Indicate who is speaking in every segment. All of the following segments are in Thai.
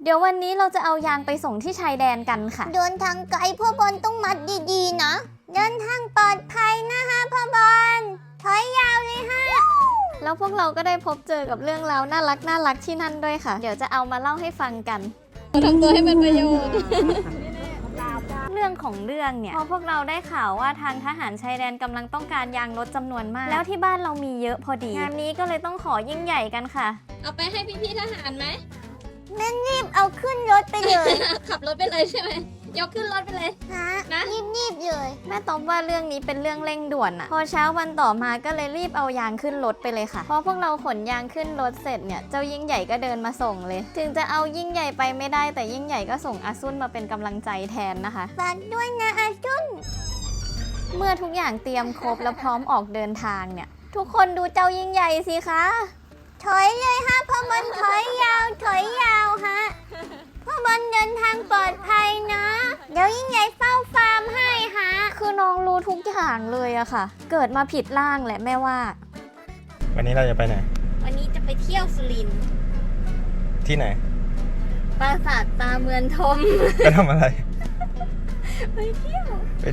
Speaker 1: เดี๋ยววันนี้เราจะเอายางไปส่งที่ชายแดนกันค่ะ
Speaker 2: เดินทางไกลพ่อบอลต้องมัดดีๆนะเดินทางปลอดภัยนะฮะพ่อบอลถอยยาวเลยฮะ
Speaker 1: แล้วพวกเราก็ได้พบเจอกับเรื่องราวน่ารักที่นั่นด้วยค่ะเดี๋ยวจะเอามาเล่าให้ฟังกัน
Speaker 3: ทำตัวให้เป็นประโยชน์
Speaker 1: เรื่องของเรื่องเนี่ยพอพวกเราได้ข่าวว่าทางทหารชายแดนกำลังต้องการยางรถจำนวนมากแล้วที่บ้านเรามีเยอะพอดีงานนี้ก็เลยต้องขอยิ่งใหญ่กันค่ะ
Speaker 3: เอาไปให้พี่ๆทหารไหม
Speaker 2: แม่รีบเอาขึ้นรถไปเลย
Speaker 3: ขับรถไปเลยใช่ไหมยกขึ้นรถไปเลย
Speaker 2: ฮะ
Speaker 3: นะ
Speaker 2: รีบเลย
Speaker 1: แม่ต๊อบว่าเรื่องนี้เป็นเรื่องเร่งด่วนอะพอเช้าวันต่อมาก็เลยรีบเอายางขึ้นรถไปเลยค่ะพอพวกเราขนยางขึ้นรถเสร็จเนี่ยเจ้ายิ่งใหญ่ก็เดินมาส่งเลยถึงจะเอายิ่งใหญ่ไปไม่ได้แต่ยิ่งใหญ่ก็ส่งอาซุนมาเป็นกำลังใจแทนนะคะ
Speaker 2: ฝากด้วยนะอาจุน
Speaker 1: เมื่อทุกอย่างเตรียมครบแล้วพร้อมออกเดินทางเนี่ยทุกคนดูเจ้ายิ่งใหญ่สิคะ
Speaker 2: ถอยเลยฮะพ่อบอลถอยยาวฮะพ่อบอลเดินทางปลอดภัยนะเดี๋ยวยิ่งใหญ่เฝ้าฟาร์มให้ฮะ
Speaker 1: คือน้องรู้ทุกอย่างเลยอะค่ะเกิดมาผิดร่างแหละแม่ว่า
Speaker 4: วันนี้เราจะไปไหน
Speaker 1: วันนี้จะไปเที่ยวสุรินทร์
Speaker 4: ที่ไหน
Speaker 1: ปราสาทตาเมืองทม
Speaker 4: ไปทำอะไร
Speaker 1: ไปเที่ยว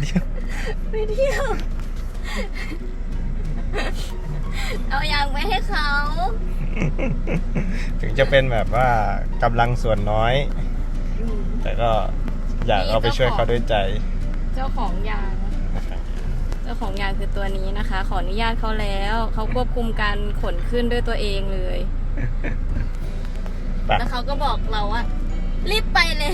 Speaker 1: เอายางไปให้เขา
Speaker 4: ถึงจะเป็นแบบว่ากำลังส่วนน้อยแต่ก็อยากเอาไปช่วยเขาด้วยใจ
Speaker 3: เจ้าของยางคือตัวนี้นะคะขออนุญาตเขาแล้วเขาควบคุมการขนขึ้นด้วยตัวเองเลยแล้วเขาก็บอกเราว่ารีบไปเลย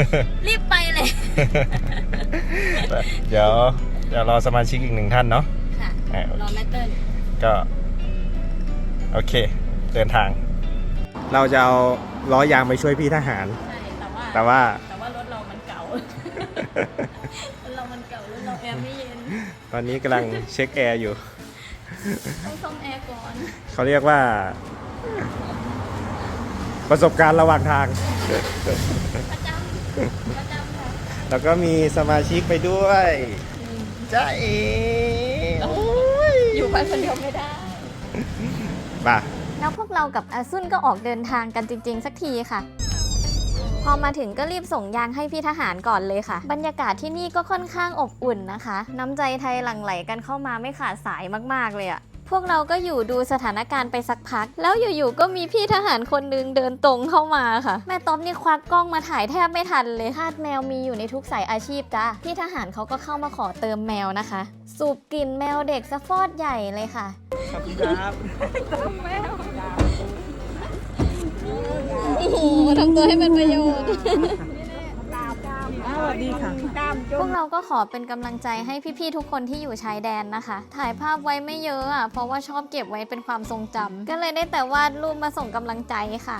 Speaker 4: เดี๋ยวรอสมาชิกอีกหนึ่งท่านเนาะ
Speaker 3: ค่ะรอแม่เติ้ล
Speaker 4: ก็โอเคเดินทาง เราจะเอาล้อยางไปช่วยพี่ทหาร
Speaker 3: ใช่แต่ว่ารถเรามันเก่ารถเราแอร์ไม่เย็น
Speaker 4: ตอนนี้กำลังเช็คแอร์อยู่
Speaker 3: ต้องซ่อมแอร์ก่อน
Speaker 4: เขาเรียกว่าประสบการณ์ระหว่างทาง
Speaker 3: ประจำค่ะ
Speaker 4: แล้วก็มีสมาชิกไปด้วยจ้าเอ๋
Speaker 3: อยู่ไปคนเดียวไม่ได้
Speaker 4: ป่ะ
Speaker 1: แล้วพวกเรากับอาซุนก็ออกเดินทางกันจริงๆสักทีค่ะพอมาถึงก็รีบส่งยางให้พี่ทหารก่อนเลยค่ะบรรยากาศที่นี่ก็ค่อนข้างอบอุ่นนะคะน้ำใจไทยหลั่งไหลกันเข้ามาไม่ขาดสายมากๆเลยอะพวกเราก็อยู่ดูสถานการณ์ไปสักพักแล้วอยู่ๆก็มีพี่ทหารคนนึงเดินตรงเข้ามาค่ะแม่ต๊อบนี่ควักกล้องมาถ่ายแทบไม่ทันเลยทาสแมวมีอยู่ในทุกสายอาชีพจ้าพี่ทหารเขาก็เข้ามาขอเติมแมวนะคะสูบกลิ่นแมวเด็กสะฟอดใหญ่เลยค่ะ
Speaker 4: ขอบคุณครับ
Speaker 3: เติมแมวโอ้โหทำตัวให้เป็นประโยชน์
Speaker 1: ดีค่ะพวกเราก็ขอเป็นกำลังใจให้พี่ๆทุกคนที่อยู่ชายแดนนะคะถ่ายภาพไว้ไม่เยอะอ่ะเพราะว่าชอบเก็บไว้เป็นความทรงจำก็เลยได้แต่วาดรูปมาส่งกำลังใจค่ะ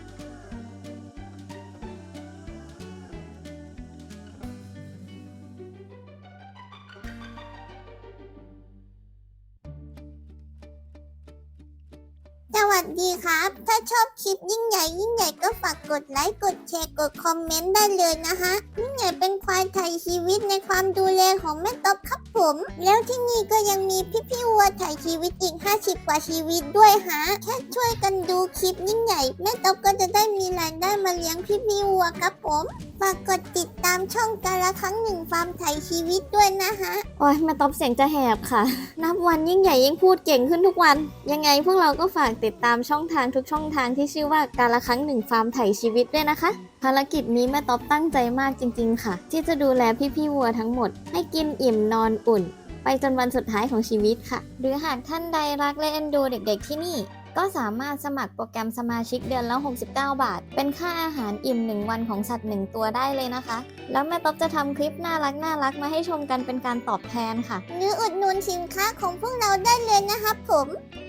Speaker 2: สวัสดีครับถ้าชอบคลิปยิ่งใหญ่ก็ฝากกดไลค์กดแชร์กดคอมเมนต์ได้เลยนะฮะยิ่งใหญ่เป็นควายไทยชีวิตในความดูแลของแม่ต๊อบครับผมแล้วที่นี่ก็ยังมีพี่วัวไทยชีวิตอีก50กว่าชีวิตด้วยฮะแค่ช่วยกันดูคลิปยิ่งใหญ่แม่ต๊อบก็จะได้มีรายได้มาเลี้ยงพี่วัวครับผมฝากกดติดตามช่องกาละครั้งหนึ่งฟาร์มไทยชีวิตด้วยนะฮะ
Speaker 1: โอ้ยแม่ต๊อบเสียงจะแหบค่ะนับวันยิ่งใหญ่ยิ่งพูดเก่งขึ้นทุกวันยังไงพวกเราก็ฝากติดตามช่องทางทุกช่องทางที่ชื่อว่ากาละครั้งหนึ่งฟาร์มไถชีวิตด้วยนะคะภารกิจนี้แม่ต๊อบตั้งใจมากจริงๆค่ะที่จะดูแลพี่วัวทั้งหมดให้กินอิ่มนอนอุ่นไปจนวันสุดท้ายของชีวิตค่ะหรือหากท่านใดรักและเอ็นดูเด็กๆที่นี่ก็สามารถสมัครโปรแกรมสมาชิกเดือนละ69 บาทเป็นค่าอาหารอิ่ม1วันของสัตว์1ตัวได้เลยนะคะแล้วแม่ต๊อบจะทำคลิปน่ารักมาให้ชมกันเป็นการตอบแทนค่ะ
Speaker 2: หรืออุดหนุนสินค้าของพวกเราได้เลยนะครับผม